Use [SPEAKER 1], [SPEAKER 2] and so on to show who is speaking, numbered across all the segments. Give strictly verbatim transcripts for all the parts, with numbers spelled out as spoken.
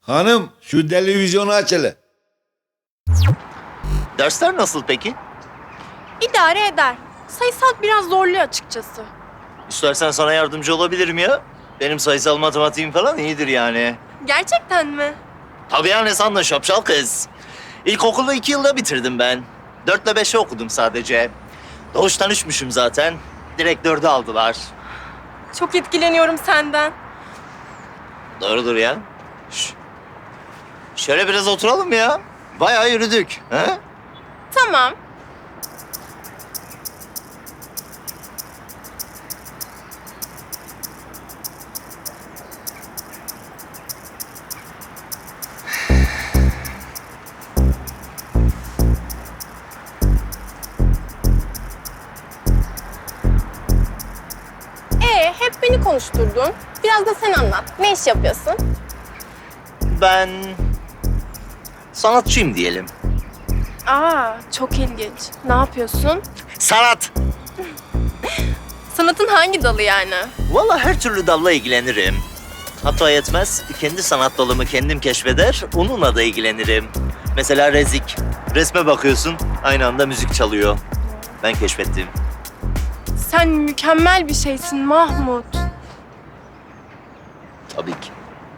[SPEAKER 1] Hanım şu televizyonu aç hele.
[SPEAKER 2] Dersler nasıl peki?
[SPEAKER 3] İdare eder. Sayısal biraz zorluyor açıkçası.
[SPEAKER 2] İstersen sana yardımcı olabilirim ya. Benim sayısal matematiğim falan iyidir yani.
[SPEAKER 3] Gerçekten mi?
[SPEAKER 2] Tabii ya, ne sandın şapşal kız? İlkokulu iki yılda bitirdim ben. Dörtle beşe okudum sadece. Doğuştan üçmüşüm zaten. Direkt dördü aldılar.
[SPEAKER 3] Çok etkileniyorum senden.
[SPEAKER 2] Doğrudur ya. Şş. Şöyle biraz oturalım ya. Bayağı yürüdük. He?
[SPEAKER 3] Tamam. Ee, hep beni konuşturdun. Biraz da sen anlat. Ne iş yapıyorsun?
[SPEAKER 2] Ben sanatçıyım diyelim.
[SPEAKER 3] Aa, çok ilginç. Ne yapıyorsun?
[SPEAKER 2] Sanat.
[SPEAKER 3] Sanatın hangi dalı yani?
[SPEAKER 2] Vallahi her türlü dalla ilgilenirim. Hatta yetmez, kendi sanat dalımı kendim keşfeder, onunla da ilgilenirim. Mesela rezik. Resme bakıyorsun, aynı anda müzik çalıyor. Ben keşfettim.
[SPEAKER 3] Sen mükemmel bir şeysin Mahmut.
[SPEAKER 2] Tabii ki.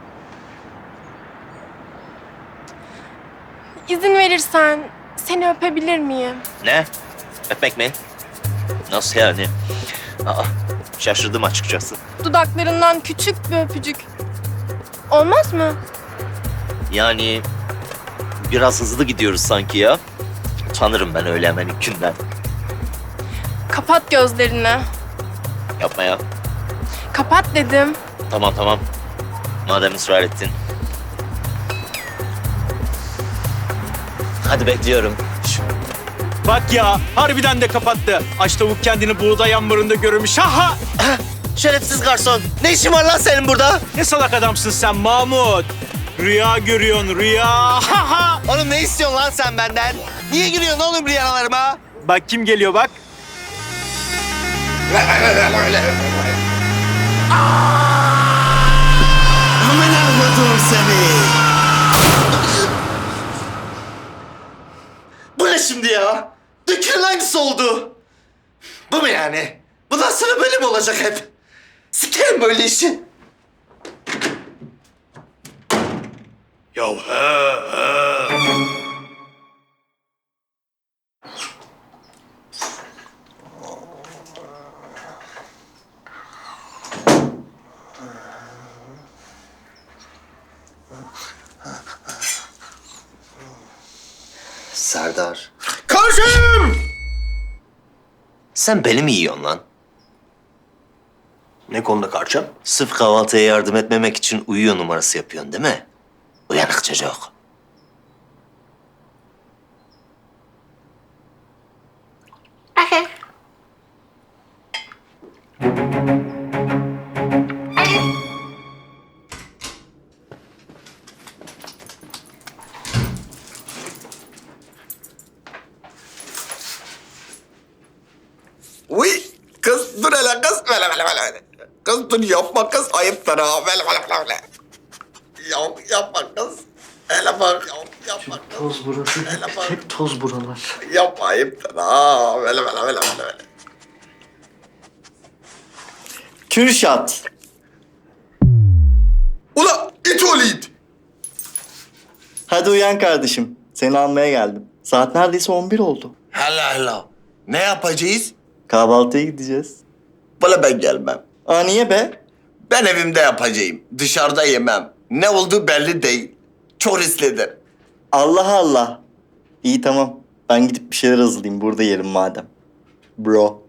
[SPEAKER 3] İzin verirsen seni öpebilir miyim?
[SPEAKER 2] Ne? Öpmek mi? Nasıl yani? Aa, şaşırdım açıkçası.
[SPEAKER 3] Dudaklarından küçük bir öpücük. Olmaz mı?
[SPEAKER 2] Yani biraz hızlı gidiyoruz sanki ya. Utanırım ben öyle hemen ilk günden.
[SPEAKER 3] Kapat gözlerini.
[SPEAKER 2] Yapma ya.
[SPEAKER 3] Kapat dedim.
[SPEAKER 2] Tamam tamam. Madem ısrar ettin. Hadi bekliyorum.
[SPEAKER 4] Bak ya, harbiden de kapattı. Aç tavuk kendini buğday ambarında görmüş. Ha ha!
[SPEAKER 2] Şerefsiz garson. Ne işin var lan senin burada?
[SPEAKER 4] Ne salak adamsın sen Mahmut. Rüya görüyorsun, rüya. Ha ha!
[SPEAKER 2] Oğlum ne istiyorsun lan sen benden? Niye giriyorsun oğlum rüyalarıma?
[SPEAKER 4] Bak kim geliyor bak.
[SPEAKER 2] Aman Allah'ım seni. Bu ne şimdi ya? Dükkanın aynısı oldu. Bu mu yani? Bundan sonra böyle mi olacak hep? Sikerim böyle işi. Ya he he. Serdar.
[SPEAKER 5] Karşım!
[SPEAKER 2] Sen beni mi yiyorsun lan?
[SPEAKER 5] Ne konuda karşım?
[SPEAKER 2] Sırf kahvaltıya yardım etmemek için uyuyor numarası yapıyorsun değil mi? Uyanık çocuk.
[SPEAKER 5] Uy! Kız dur hele kız. Böyle böyle böyle. Kız dur yapma kız. Ayıptır ha. Böyle böyle böyle böyle. Ya, yapma kız. Hele bak. Yap, yapma kız.
[SPEAKER 6] Toz burası.
[SPEAKER 5] Hele bak.
[SPEAKER 6] Hep toz buralar.
[SPEAKER 5] Yapma ayıptır ha. Böyle böyle böyle böyle böyle.
[SPEAKER 6] Kürşat.
[SPEAKER 5] Ula it oğlu it.
[SPEAKER 6] Hadi uyan kardeşim. Seni almaya geldim. Saat neredeyse on bir oldu.
[SPEAKER 5] Hala hala. Ne yapacağız?
[SPEAKER 6] Kahvaltıya gideceğiz.
[SPEAKER 5] Bana ben gelmem.
[SPEAKER 6] Aa niye be?
[SPEAKER 5] Ben evimde yapacağım. Dışarıda yemem. Ne olduğu belli değil. Çok risklidir.
[SPEAKER 6] Allah Allah. İyi tamam. Ben gidip bir şeyler hazırlayayım. Burada yerim madem. Bro.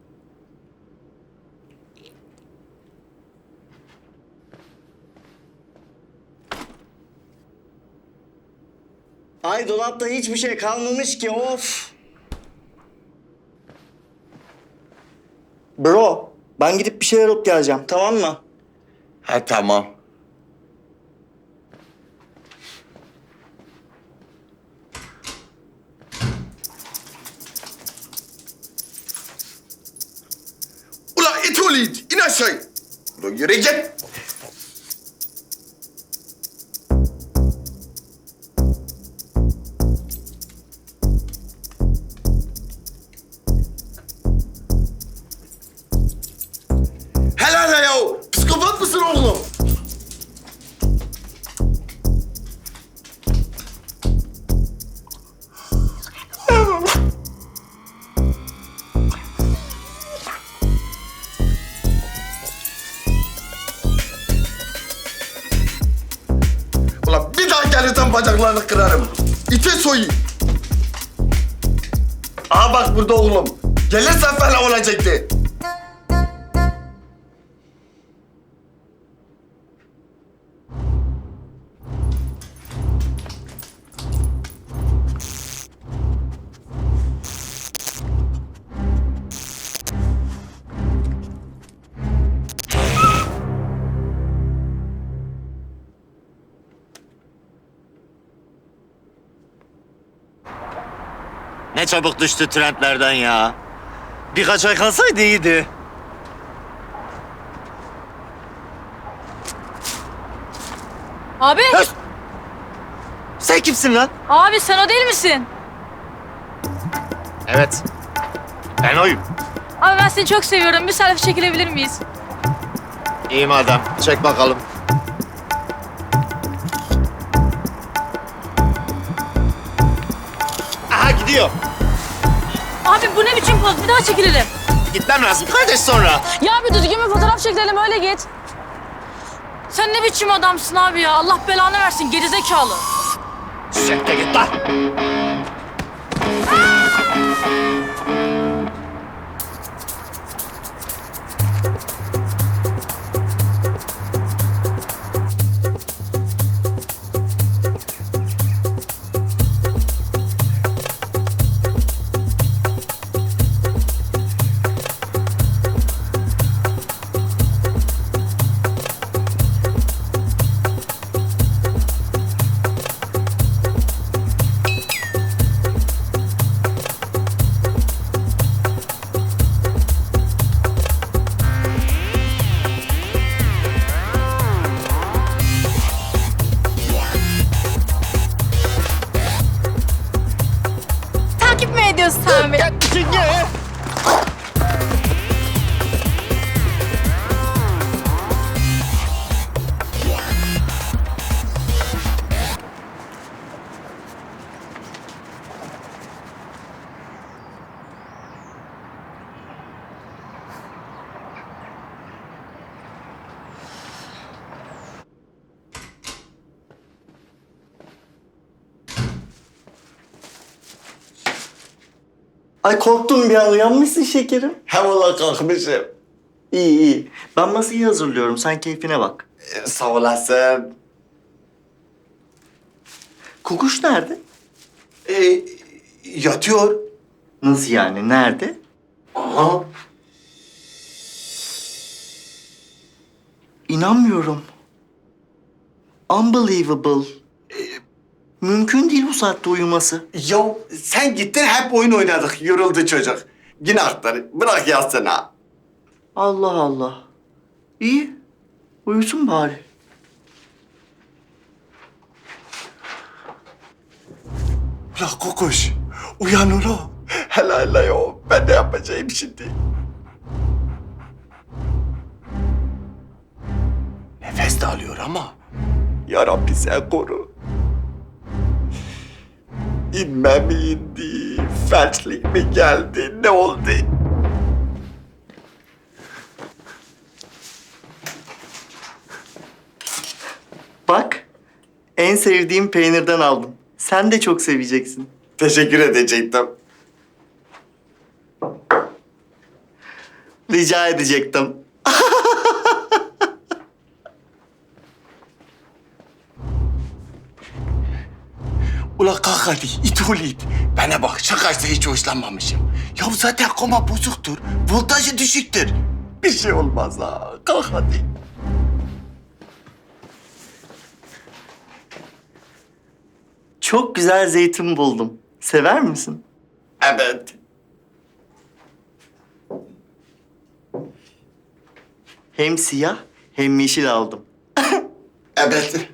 [SPEAKER 6] Ay dolapta hiçbir şey kalmamış ki of. Bro, ben gidip bir şeyler alıp geleceğim, tamam mı?
[SPEAKER 5] Ha tamam. Ula it oğlu it. İn aşağı. Ula yürü git. bacaklarını kırarım. İte soyayım. Aha bak burada oğlum. Gelirsen fena olacaktı.
[SPEAKER 2] Ne çabuk düştü trendlerden ya. Birkaç ay kalsaydı iyiydi.
[SPEAKER 7] Abi,
[SPEAKER 2] Höst! Sen kimsin lan?
[SPEAKER 7] abi sen o değil misin?
[SPEAKER 2] Evet. Ben oyum.
[SPEAKER 7] Abi ben seni çok seviyorum. Bir selfie çekilebilir miyiz?
[SPEAKER 2] İyi madem. Çek bakalım. Aha gidiyor.
[SPEAKER 7] Abi bu ne biçim poz? Bir daha çekilelim.
[SPEAKER 2] Gitmem lazım kardeş sonra.
[SPEAKER 7] Ya bir düzgün bir fotoğraf çekilelim öyle git. Sen ne biçim adamsın abi ya? Allah belanı versin gerizekalı.
[SPEAKER 2] Sen de git lan.
[SPEAKER 3] Takip mi ediyorsun sen beni?
[SPEAKER 6] Ay korktum bir an. Uyanmışsın şekerim.
[SPEAKER 5] Hem ola kalkmışım.
[SPEAKER 6] İyi iyi. Ben masayı hazırlıyorum. Sen keyfine bak.
[SPEAKER 5] Ee, sağ olasın.
[SPEAKER 6] Kukuş nerede?
[SPEAKER 5] Ee, yatıyor.
[SPEAKER 6] Nasıl yani? Nerede?
[SPEAKER 5] Aha.
[SPEAKER 6] İnanmıyorum. Unbelievable. Ee, Mümkün değil bu saatte uyuması.
[SPEAKER 5] Ya sen gittin hep oyun oynadık. Yoruldu çocuk. Günahtır. Bırak yatsın ha.
[SPEAKER 6] Allah Allah. İyi. Uyusun bari.
[SPEAKER 5] La kokuş. Uyan ulan. Hele hele ya. Ben ne yapacağım şimdi? Nefes de alıyor ama. Ya Rabbi sen koru. İnme mi indi? Felçlik mi geldi? Ne oldu?
[SPEAKER 6] Bak. En sevdiğim peynirden aldım. Sen de çok seveceksin.
[SPEAKER 5] Teşekkür edecektim.
[SPEAKER 6] Rica edecektim.
[SPEAKER 5] Ula kalk hadi, it ol it. Bana bak, şakaysa hiç hoşlanmamışım. Ya zaten koma bozuktur, voltajı düşüktür. Bir şey olmaz ha, kalk hadi.
[SPEAKER 6] Çok güzel zeytin buldum. Sever misin?
[SPEAKER 5] Evet.
[SPEAKER 6] Hem siyah hem yeşil aldım.
[SPEAKER 5] Evet.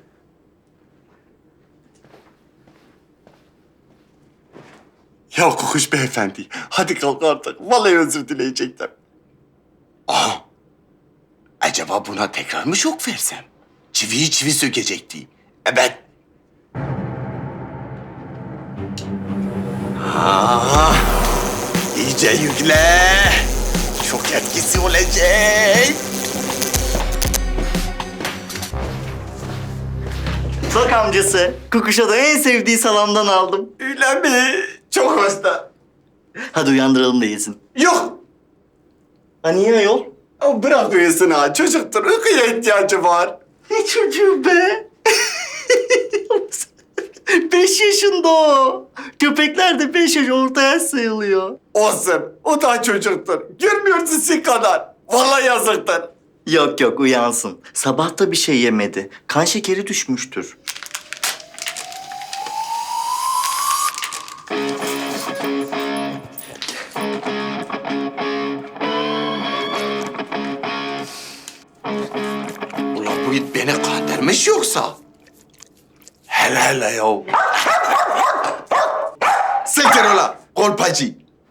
[SPEAKER 5] Ya Kukuş beyefendi, hadi kalk artık. Vallahi özür dileyecektim. Aa, acaba buna tekrar mı şok versem? Çiviyi çivi sökecekti. Evet. Ha, iyice yükle. Şok etkisi olacak.
[SPEAKER 6] Bak amcası, Kukuşa'da en sevdiği salamdan aldım.
[SPEAKER 5] Öyle mi? Çok hasta.
[SPEAKER 6] Hadi uyandıralım da yesin.
[SPEAKER 5] Yok.
[SPEAKER 6] Ha niye ayol?
[SPEAKER 5] Ama bırak uyusun ha. Çocuktur. Uykuya ihtiyacı var.
[SPEAKER 6] Ne çocuğu be? Beş yaşında o. Köpekler de beş yaş orta yaş sayılıyor.
[SPEAKER 5] Olsun. O da çocuktur. Görmüyorsun sizin kadar. Vallahi yazıktır.
[SPEAKER 6] Yok yok uyansın. Sabah da bir şey yemedi. Kan şekeri düşmüştür.
[SPEAKER 5] Ulan bu it beni kandırmış yoksa? Hele hele yav. Siktir ulan kolpacı.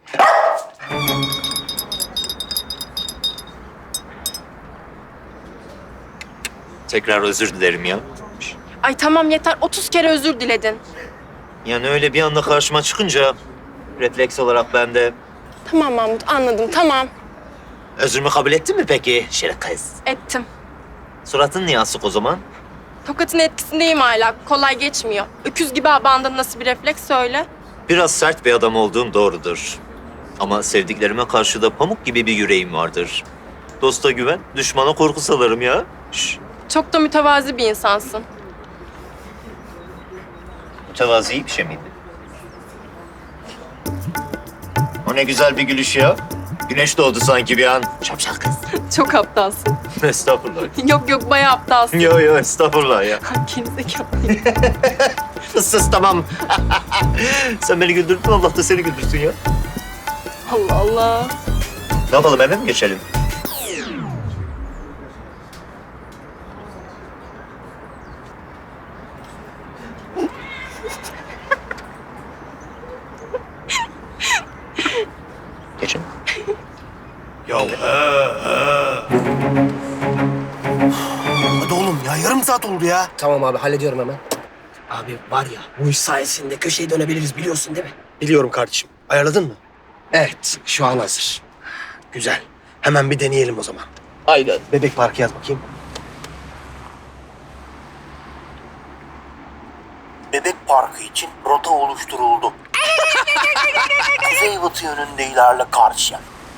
[SPEAKER 2] Tekrar özür dilerim ya.
[SPEAKER 3] Ay tamam yeter. otuz kere özür diledin.
[SPEAKER 2] Yani öyle bir anda karşıma çıkınca refleks olarak ben de
[SPEAKER 3] Tamam Mahmut anladım tamam.
[SPEAKER 2] özrümü kabul ettin mi peki şeref kız?
[SPEAKER 3] Ettim.
[SPEAKER 2] Suratın niye asık o zaman?
[SPEAKER 3] Tokatın etkisindeyim hala. Kolay geçmiyor. Öküz gibi abandın nasıl bir refleks söyle.
[SPEAKER 2] Biraz sert bir adam olduğum doğrudur. Ama sevdiklerime karşı da pamuk gibi bir yüreğim vardır. Dosta güven, düşmana korku salarım ya. Şş,
[SPEAKER 3] Çok da mütevazi bir insansın.
[SPEAKER 2] mütevazi bir şey miydi? O ne güzel bir gülüş ya. Güneş doğdu sanki bir an. Şapşal kız.
[SPEAKER 3] Çok aptalsın.
[SPEAKER 2] Estağfurullah.
[SPEAKER 3] yok yok bayağı aptalsın.
[SPEAKER 2] Yo yo estağfurullah ya.
[SPEAKER 3] Gerizekalı.
[SPEAKER 2] Sus sus tamam. Sen beni güldürdün, Allah da seni güldürsün ya.
[SPEAKER 3] Allah Allah.
[SPEAKER 2] Ne yapalım, eve mi geçelim? Geçin.
[SPEAKER 5] Ya Hadi oğlum ya yarım saat oldu ya.
[SPEAKER 8] Tamam abi hallediyorum hemen. Abi var ya bu iş sayesinde köşeyi dönebiliriz biliyorsun değil mi? Biliyorum kardeşim. Ayarladın mı? Evet şu an hazır. Güzel. Hemen bir deneyelim o zaman. Aynen. Bebek Parkı yaz bakayım.
[SPEAKER 9] Bebek Parkı için rota oluşturuldu. Kuzey batı yönünde ilerle karşıya.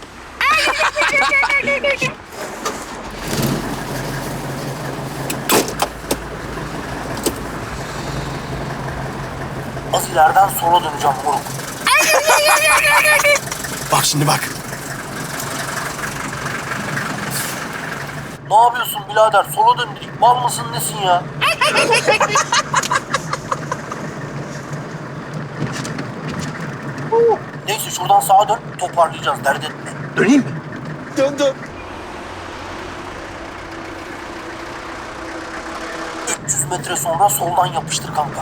[SPEAKER 9] Az ileriden sola döneceğim moruk.
[SPEAKER 5] Bak şimdi bak.
[SPEAKER 9] Ne yapıyorsun birader? Sola dön dedik. Mal mısın nesin ya? Neyse şuradan sağa dön. Toparlayacağız dert etme.
[SPEAKER 5] Döneyim mi? Dön dön.
[SPEAKER 9] üç yüz metre sonra soldan yapıştır kanka.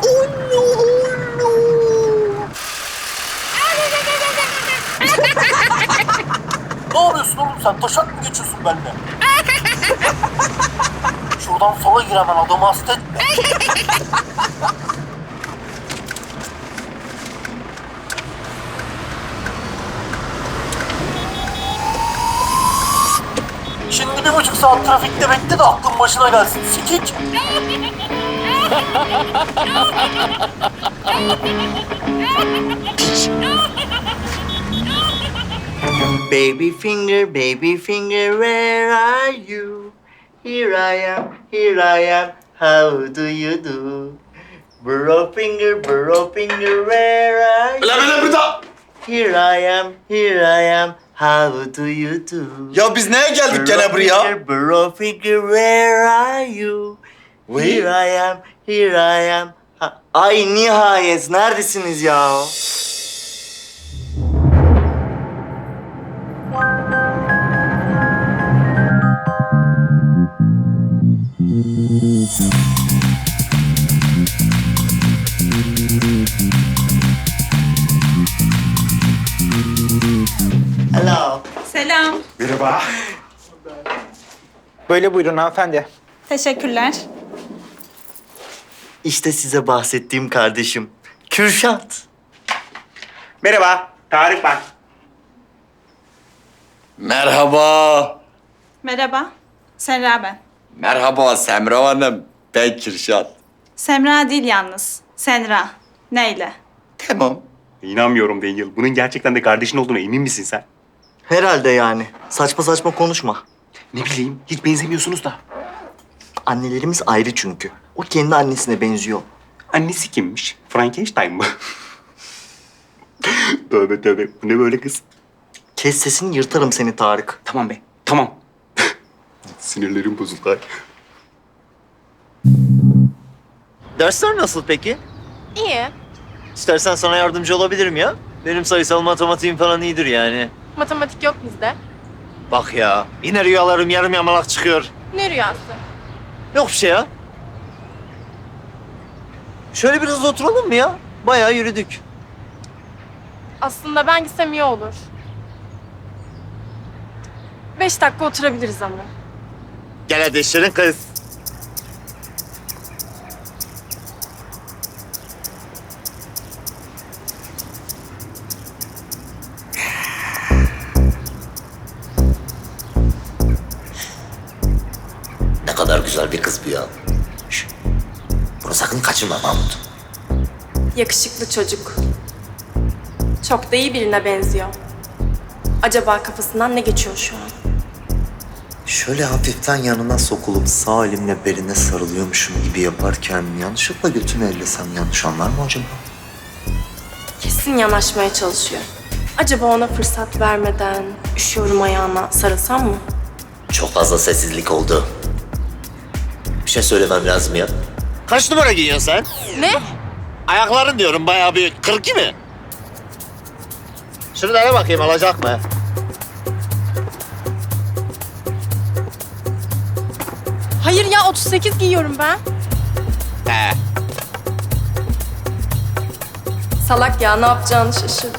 [SPEAKER 9] Ne yapıyorsun oğlum sen? Taşak mı geçiyorsun benimle? Şuradan sola gir hemen adamı hasta etme. Şimdi bir buçuk saat trafikte bekle de aklın başına gelsin. Sikik.
[SPEAKER 6] Baby finger, baby finger, where are you? Here I am, here I am, how do you do? Bro finger, bro finger, where are you?
[SPEAKER 5] Lan lan burada.
[SPEAKER 6] Here I am, here I am, how do you do?
[SPEAKER 5] Ya biz neye geldik gene buraya?
[SPEAKER 6] Finger, bro finger, where are you?
[SPEAKER 5] We?
[SPEAKER 6] Here I am, here I am. Ha- Ay nihayet neredesiniz ya? Hello.
[SPEAKER 10] Selam.
[SPEAKER 5] Merhaba.
[SPEAKER 4] Böyle buyurun hanımefendi.
[SPEAKER 10] Teşekkürler.
[SPEAKER 6] İşte size bahsettiğim kardeşim. Kürşat.
[SPEAKER 4] Merhaba, Tarık ben.
[SPEAKER 5] Merhaba.
[SPEAKER 10] Merhaba. Serra ben.
[SPEAKER 5] Merhaba Semra Hanım. Ben Kürşat.
[SPEAKER 10] Semra değil yalnız. Senra. Neyle?
[SPEAKER 5] Tamam.
[SPEAKER 11] İnanmıyorum Daniel. Bunun gerçekten de kardeşin olduğuna emin misin sen?
[SPEAKER 6] Herhalde yani. Saçma saçma konuşma.
[SPEAKER 11] Ne bileyim, hiç benzemiyorsunuz da.
[SPEAKER 6] Annelerimiz ayrı çünkü. O kendi annesine benziyor.
[SPEAKER 11] Annesi kimmiş? Frankenstein mı? Tövbe tövbe. Bu ne böyle kız?
[SPEAKER 6] Kes sesini, yırtarım seni Tarık.
[SPEAKER 11] Tamam be, tamam. Sinirlerim bozuldu.
[SPEAKER 2] Dersler nasıl peki?
[SPEAKER 3] İyi.
[SPEAKER 2] İstersen sana yardımcı olabilirim ya. Benim sayısal matematiğim falan iyidir yani.
[SPEAKER 3] Matematik yok bizde.
[SPEAKER 2] Bak ya, yine rüyalarım yarım yamalak çıkıyor.
[SPEAKER 3] Ne rüyası?
[SPEAKER 2] Yok bir şey ya. Şöyle biraz oturalım mı ya? Bayağı yürüdük.
[SPEAKER 3] Aslında ben gitsem iyi olur. Beş dakika oturabiliriz ama.
[SPEAKER 2] Gel hadi şirin kız.
[SPEAKER 5] Ne kadar güzel bir kız bu ya. Şş, bunu sakın kaçırma Mahmut.
[SPEAKER 3] Yakışıklı çocuk. Çok da iyi birine benziyor. Acaba kafasından ne geçiyor şu an?
[SPEAKER 12] Şöyle hafiften yanına sokulup sağ elimle beline sarılıyormuşum gibi yaparken yanlışlıkla götünü ellesem yanlış anlar mı acaba?
[SPEAKER 3] Kesin yanaşmaya çalışıyor. Acaba ona fırsat vermeden üşüyorum ayağına sarılsam mı?
[SPEAKER 5] Çok fazla sessizlik oldu. Bir şey söylemem lazım ya.
[SPEAKER 2] Kaç numara giyiyorsun sen?
[SPEAKER 3] Ne?
[SPEAKER 2] Ayakların diyorum bayağı bir kırk iki mi? Şuralara bakayım alacak mı?
[SPEAKER 3] Hayır ya otuz sekiz giyiyorum ben.
[SPEAKER 2] He.
[SPEAKER 3] Salak ya ne yapacağını şaşırdı.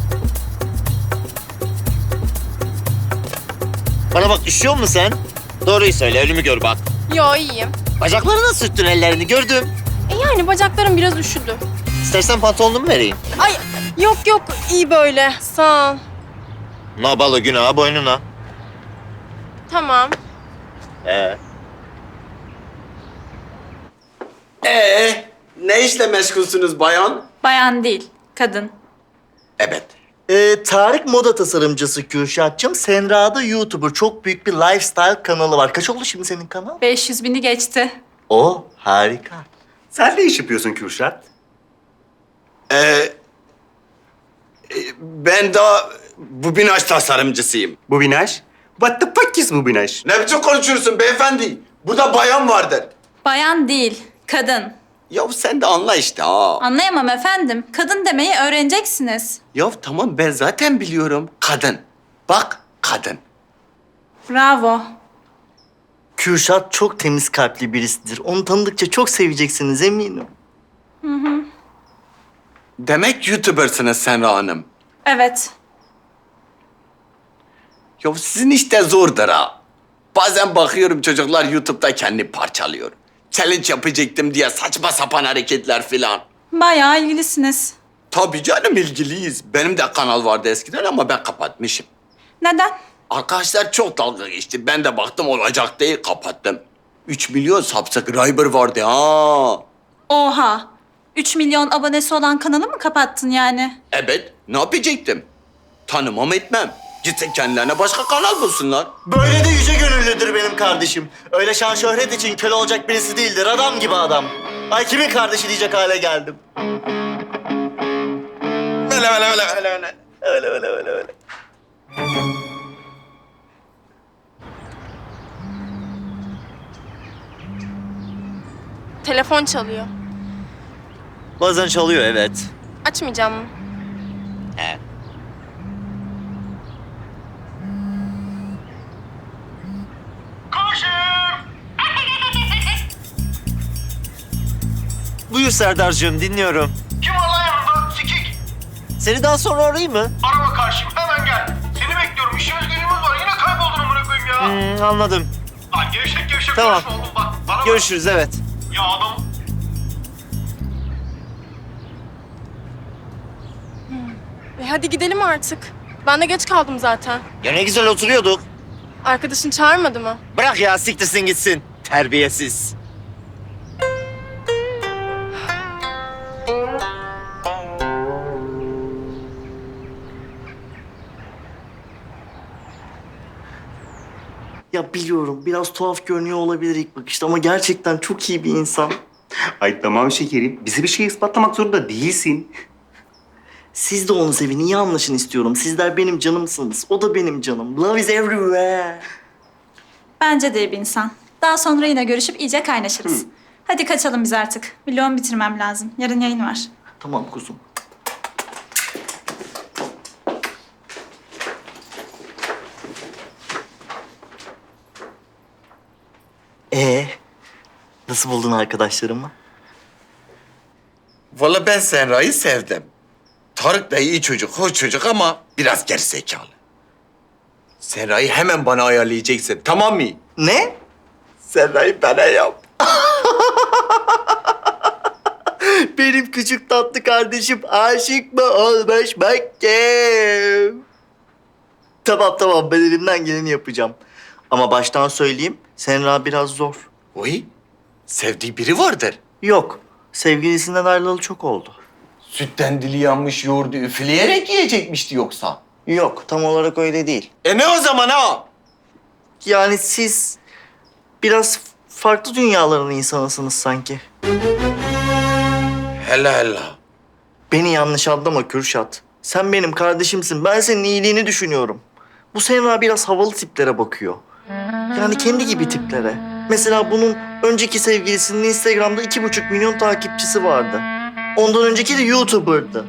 [SPEAKER 2] Bana bak üşüyor musun sen? Doğruyu söyle ölümü gör bak.
[SPEAKER 3] Yo iyiyim.
[SPEAKER 2] Bacaklarına sürttün ellerini gördüm.
[SPEAKER 3] E yani bacaklarım biraz üşüdü.
[SPEAKER 2] İstersen pantolonumu vereyim.
[SPEAKER 3] Ay yok yok iyi böyle sağ ol.
[SPEAKER 2] Nabalı günah boynuna.
[SPEAKER 3] Tamam.
[SPEAKER 2] Ee.
[SPEAKER 5] Ee, ne işle meşgulsünüz bayan?
[SPEAKER 10] Bayan değil. Kadın.
[SPEAKER 5] Evet.
[SPEAKER 6] Ee, Tarık moda tasarımcısı Kürşat'cığım. Senra da YouTuber. Çok büyük bir lifestyle kanalı var. Kaç oldu şimdi senin kanal?
[SPEAKER 10] beş yüz bini geçti.
[SPEAKER 6] O harika.
[SPEAKER 11] Sen ne iş yapıyorsun Kürşat?
[SPEAKER 5] Ee, e, ben de bu binaş tasarımcısıyım.
[SPEAKER 11] Bu Binaş? What the fuck is bu Binaş?
[SPEAKER 5] Ne biçim konuşuyorsun beyefendi? Burada bayan vardır.
[SPEAKER 10] Bayan değil. Kadın.
[SPEAKER 5] Ya sen de anla işte ha.
[SPEAKER 10] Anlayamam efendim. Kadın demeyi öğreneceksiniz.
[SPEAKER 5] Ya tamam ben zaten biliyorum. Kadın. Bak kadın.
[SPEAKER 10] Bravo.
[SPEAKER 6] Kürşat çok temiz kalpli birisidir. Onu tanıdıkça çok seveceksiniz eminim.
[SPEAKER 5] Demek YouTuber'sınız Senra Hanım.
[SPEAKER 10] Evet.
[SPEAKER 5] Ya sizin işte zordur ha. Bazen bakıyorum çocuklar YouTube'da kendi parçalıyor. Challenge yapacaktım diye saçma sapan hareketler filan.
[SPEAKER 10] Bayağı ilgilisiniz.
[SPEAKER 5] Tabii canım ilgiliyiz. Benim de kanal vardı eskiden ama ben kapatmışım.
[SPEAKER 10] Neden?
[SPEAKER 5] Arkadaşlar çok dalga geçti. Ben de baktım olacak değil kapattım. Üç milyon subscriber vardı ha.
[SPEAKER 10] Oha. üç milyon abonesi olan kanalı mı kapattın yani?
[SPEAKER 5] Evet, ne yapacaktım? Tanımam etmem. Gitsin kendilerine başka kanal bulsunlar.
[SPEAKER 6] Böyle de yüce gönüllüdür benim kardeşim. Öyle şan şöhret için köle olacak birisi değildir. Adam gibi adam. Ay kimin kardeşi diyecek hale geldim.
[SPEAKER 5] Öyle öyle öyle öyle öyle.
[SPEAKER 6] Öyle öyle öyle öyle.
[SPEAKER 3] Telefon çalıyor.
[SPEAKER 2] Bazen çalıyor evet.
[SPEAKER 3] Açmayacağım mı?
[SPEAKER 2] He. Buyur Serdar'cığım dinliyorum.
[SPEAKER 9] Kim var lan yanında? Sikik.
[SPEAKER 2] Seni daha sonra arayayım mı?
[SPEAKER 9] Arama karşım hemen gel. Seni bekliyorum. İşimiz gücümüz var. Yine kayboldun amına koyayım ya.
[SPEAKER 2] Hmm, anladım.
[SPEAKER 9] Lan gevşek gevşek
[SPEAKER 2] Tamam.
[SPEAKER 9] konuşma oğlum bak. Bana bak.
[SPEAKER 2] Görüşürüz evet.
[SPEAKER 9] Ya adam.
[SPEAKER 3] E hadi gidelim artık. Ben de geç kaldım zaten.
[SPEAKER 2] Ya ne güzel oturuyorduk.
[SPEAKER 3] Arkadaşın çağırmadı mı?
[SPEAKER 2] Bırak ya siktirsin gitsin. Terbiyesiz.
[SPEAKER 6] Ya biliyorum biraz tuhaf görünüyor olabilir ilk bakışta ama gerçekten çok iyi bir insan.
[SPEAKER 11] Ay tamam şekerim. Bize bir şey ispatlamak zorunda değilsin.
[SPEAKER 6] Siz de onu sevin, iyi anlaşın istiyorum. Sizler benim canımsınız, o da benim canım. Love is everywhere.
[SPEAKER 10] Bence de iyi bir insan. Daha sonra yine görüşüp iyice kaynaşırız. Hadi kaçalım biz artık. Vlogumu bitirmem lazım. Yarın yayın var.
[SPEAKER 6] Tamam kuzum. Ee, nasıl buldun arkadaşlarımı?
[SPEAKER 5] Vallahi ben Senra'yı sevdim. Tarık da iyi çocuk, hoş çocuk ama biraz gerizekalı. Senra'yı hemen bana ayarlayacaksın, tamam mı?
[SPEAKER 6] Ne?
[SPEAKER 5] Senra'yı bana yap.
[SPEAKER 6] Benim küçük tatlı kardeşim aşık mı olmuş bakayım. Tamam tamam ben elimden geleni yapacağım. Ama baştan söyleyeyim Senra biraz zor.
[SPEAKER 5] Oy, sevdiği biri vardır.
[SPEAKER 6] Yok sevgilisinden ayrılalı çok oldu.
[SPEAKER 5] Sütten dili yanmış yoğurdu üfleyerek yiyecekmişti yoksa.
[SPEAKER 6] Yok tam olarak öyle değil.
[SPEAKER 5] E ne o zaman ha?
[SPEAKER 6] Yani siz biraz farklı dünyaların insanısınız sanki.
[SPEAKER 5] Hela hela.
[SPEAKER 6] Beni yanlış anlama Kürşat. Sen benim kardeşimsin. Ben senin iyiliğini düşünüyorum. Bu Senra biraz havalı tiplere bakıyor. Yani kendi gibi tiplere. Mesela bunun önceki sevgilisinin Instagram'da iki buçuk milyon takipçisi vardı. Ondan önceki de YouTuber'dı.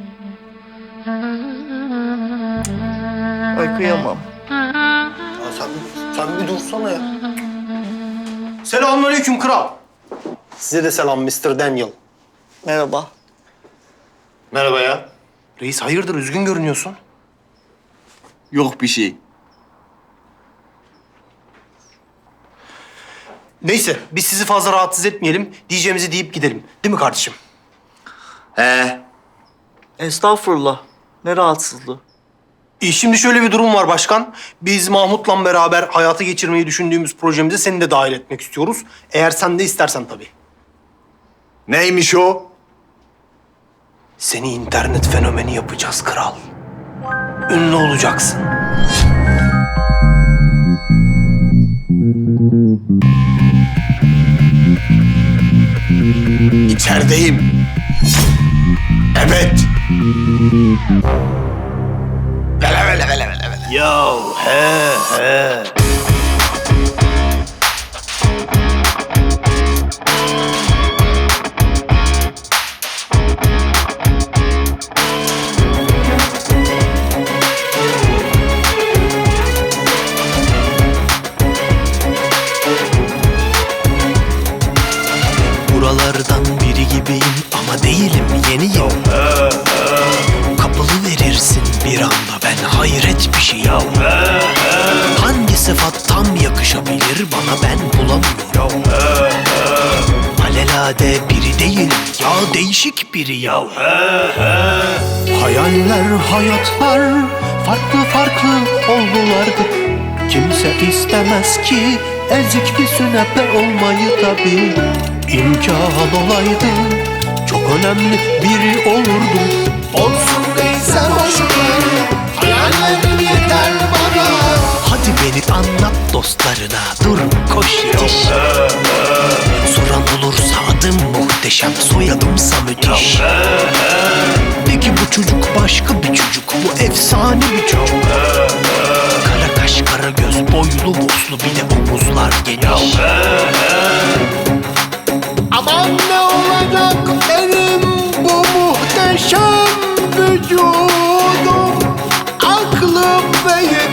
[SPEAKER 6] Ay kıyamam.
[SPEAKER 8] Ya sen, sen bir dursana ya. Selamünaleyküm kral. Size de selam mister Daniel.
[SPEAKER 6] Merhaba.
[SPEAKER 8] Merhaba ya. Reis hayırdır üzgün görünüyorsun.
[SPEAKER 5] Yok bir şey.
[SPEAKER 8] Neyse biz sizi fazla rahatsız etmeyelim. Diyeceğimizi deyip gidelim. Değil mi kardeşim?
[SPEAKER 5] He.
[SPEAKER 6] Estağfurullah. Ne rahatsızlığı.
[SPEAKER 8] E, şimdi şöyle bir durum var başkan. Biz Mahmut'la beraber hayata geçirmeyi düşündüğümüz projemize seni de dahil etmek istiyoruz. Eğer sen de istersen tabii.
[SPEAKER 5] Neymiş o?
[SPEAKER 8] Seni internet fenomeni yapacağız kral. Ünlü olacaksın.
[SPEAKER 5] İçerideyim. Evet. Vele vele vele vele vele.
[SPEAKER 8] Ya he he.
[SPEAKER 13] Buralardan biri gibiyim ama değilim, yeniyim. Kapılı verirsin bir anda, ben hayret bir şeyim. Hangi sıfat tam yakışabilir bana, ben bulamıyorum. Alelade biri değilim ya, değişik biriyim. Hayaller, hayatlar farklı farklı oldulardı. Kimse istemez ki ezik bir sünepe olmayı tabii. İmkan olaydı çok önemli biri olurdum. Olsun neyse boşver, hayallerim yeter bana. Hadi beni anlat dostlarına, dur koş yetiş. Soran olursa adım muhteşem, soyadımsa müthiş. De ki bu çocuk başka bir çocuk, bu efsane bir çocuk. Kara kaş, kara göz, boylu boslu, bir de omuzlar geniş.
[SPEAKER 9] Aman ne olacak benim bu muhteşem vücudum, aklım ve